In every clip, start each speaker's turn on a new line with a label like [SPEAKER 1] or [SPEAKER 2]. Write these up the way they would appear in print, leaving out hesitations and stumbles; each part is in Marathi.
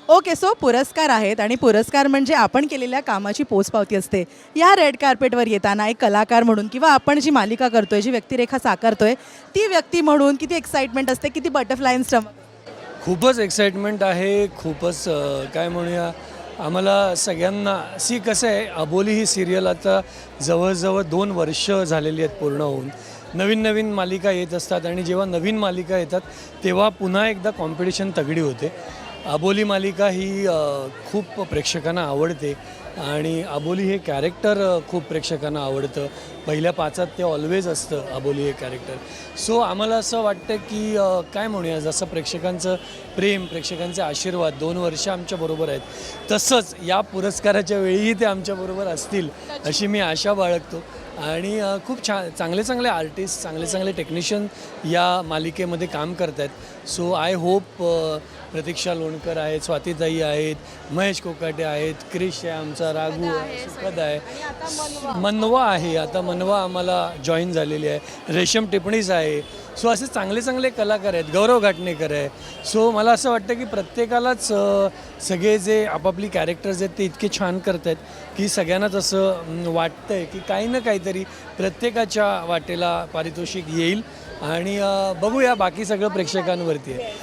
[SPEAKER 1] ओके, सो पुरस्कार आहेत आणि पुरस्कार म्हणजे आपण केलेल्या कामाची पोचपावती असते. या रेड कार्पेटवर येताना एक कलाकार म्हणून किंवा आपण जी मालिका करतोय, जी व्यक्तिरेखा साकारतोय, ती व्यक्ती म्हणून किती एक्साइटमेंट असते, किती बटरफ्लाय इन स्टमक?
[SPEAKER 2] खूपच एक्साइटमेंट आहे. खूपच काय म्हणूया, आम्हाला सगळ्यांना कसं आहे, अबोली ही सिरियल आता जवळजवळ 2 वर्ष झालेली आहेत पूर्ण होऊन. नवीन नवीन मालिका येत असतात आणि जेव्हा नवीन मालिका येतात तेव्हा पुन्हा एकदा कॉम्पिटिशन तगडी होते. अबोली मालिका ही खूप प्रेक्षकांना आवडते आणि अबोली हे कॅरेक्टर खूप प्रेक्षकांना आवडतं. पहिल्या 5त ते ऑलवेज असतं अबोली हे कॅरेक्टर. सो आम्हाला असं वाटतं की काय म्हणूया, जसं प्रेक्षकांचं प्रेम, प्रेक्षकांचे आशीर्वाद 2 वर्ष आमच्याबरोबर आहेत, तसंच या पुरस्काराच्या वेळीही ते आमच्याबरोबर असतील अशी मी आशा बाळगतो. आणि खूप चांगले चांगले आर्टिस्ट, चांगले चांगले टेक्निशियन या मालिकेमध्ये काम करत आहेत. So I hope Pratiksha Lonkar आहेत, स्वातीताई आहेत, महेश कोकाटे आहेत, क्रिश आहे, आमचा राघू आहे, सुखद आहे, मनवा आहे, आता मनवा आम्हाला जॉईन झालेली आहे, रेशम टिपणीस आहे. सो असे चांगले चांगले कलाकार आहेत, गौरव घाटणेकर आहे. सो मला असं वाटतं की प्रत्येकालाच सगळे जे आपापली कॅरेक्टर्स आहेत ते इतके छान करत आहेत की सगळ्यांनाच असं वाटतं आहे की काही ना काहीतरी प्रत्येकाच्या वाटेला पारितोषिक येईल. आणि बघूया, बाकी सगळं प्रेक्षकांवरती आहे.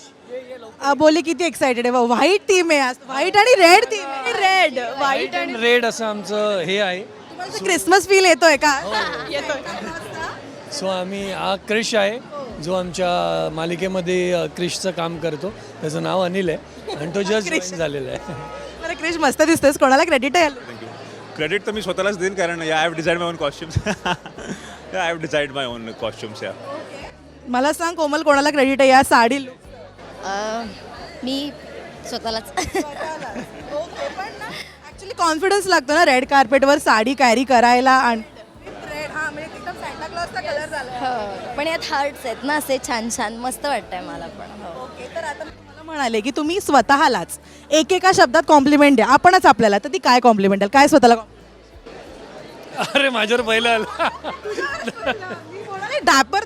[SPEAKER 1] अबोली किती एक्साइटेड आहे. व्हाईट थीम आहे आज, व्हाईट आणि रेड थीम आहे. रेड,
[SPEAKER 2] व्हाईट अँड रेड असं आमचं हे आहे.
[SPEAKER 1] क्रिसमस फील येतोय का? येतोय.
[SPEAKER 2] सो हा क्रिश आहे जो आमच्या मालिकेमध्ये क्रिशचं काम करतो. त्याचं नाव अनिल आहे आणि तो जस्ट जॉईन झालेला आहे.
[SPEAKER 1] बरं क्रिश, मस्त दिसतोस. कोणाला क्रेडिट आहे?
[SPEAKER 3] क्रेडिट तर मी स्वतःलाच देईन, कारण I have decided my own costumes. I have decided my own costumes. या
[SPEAKER 1] मला सांग कोमल, कोणाला क्रेडिट आहे या साडी look?
[SPEAKER 4] मी स्वतःलाच.
[SPEAKER 1] ॲक्च्युली कॉन्फिडन्स लागतो ना रेड कार्पेटवर साडी कॅरी करायला. आणि
[SPEAKER 4] पण यात हार्ट्स आहेत ना, असे छान छान, मस्त वाटतंय मला पण. हो.
[SPEAKER 1] तर आता मला म्हणाले की तुम्ही स्वतःलाच एकेका शब्दात कॉम्प्लिमेंट द्या. आपणच आपल्याला, तर ती काय कॉम्प्लिमेंट द्याल? काय स्वतःला
[SPEAKER 2] अरे माझ्यावर पहिलं आलं.
[SPEAKER 1] डॅपर?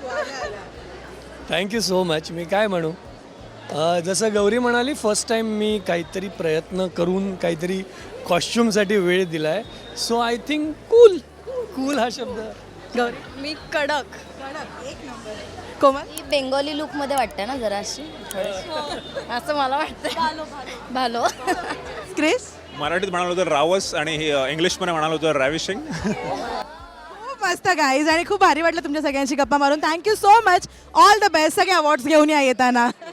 [SPEAKER 2] Thank you so much. मी काय म्हणू, जसं गौरी म्हणाली, फर्स्ट टाईम मी काहीतरी प्रयत्न करून काहीतरी कॉस्ट्युमसाठी वेळ दिला आहे. सो आय थिंक कूल हा शब्द.
[SPEAKER 1] गौरी?
[SPEAKER 4] मी कडक.
[SPEAKER 1] कोमल?
[SPEAKER 4] ही बेंगॉली लुकमध्ये वाटते ना जराशी, असं मला वाटतं. भालो.
[SPEAKER 1] क्रिस?
[SPEAKER 3] मराठीत म्हणालो तर रावस आणि इंग्लिशमध्ये म्हणालो तर रॅविशिंग.
[SPEAKER 1] खूप मस्त गाईज, आणि खूप भारी वाटलं तुमच्या सगळ्यांशी गप्पा मारून. Thank you so much. All the best. सगळे अवॉर्ड्स घेऊन या येताना.